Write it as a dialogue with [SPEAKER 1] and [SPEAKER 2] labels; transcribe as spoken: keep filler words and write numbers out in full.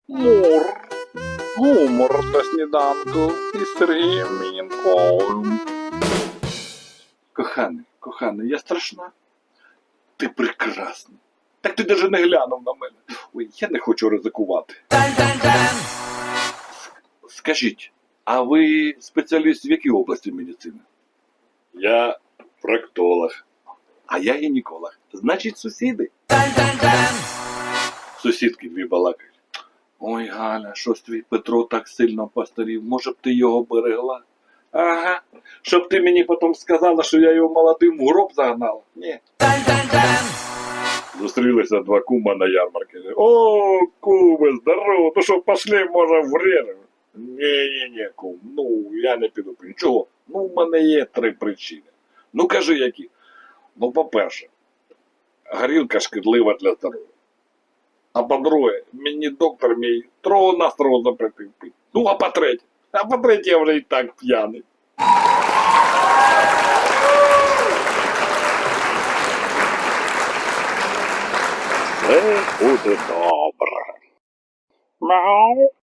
[SPEAKER 1] Мур. Гумор на сніданку із Сергієм Мінковим. Коханий, коханий, я страшна? Ти прекрасна. Так ти даже не глянув на мене. Ой, я не хочу ризикувати. Скажіть, а ви спеціаліст в якій області медицини? Я проктолог. А я гінеколог. Значить, сусіди? Сусідки дві балакають. Ой, Галя, щось твій Петро так сильно постарів. Може б ти його берегла? Ага. Щоб ти мені потім сказала, що я його молодим в гроб загнала? Ні. Зустрілися два кума на ярмарці. О, куми, здорово, ну що, пошли, може, врежемо? Ні-ні-ні, кум, ну, я не піду. Чого? Ну, в мене є три причини. Ну, кажи, які. Ну, по-перше, горілка шкідлива для здоров'я. А по-друге, мені доктор мій трово-настрово запретив пити. Ну, а по-третє, а по-третє, я вже і так п'яний. Все буде добре. Мяу.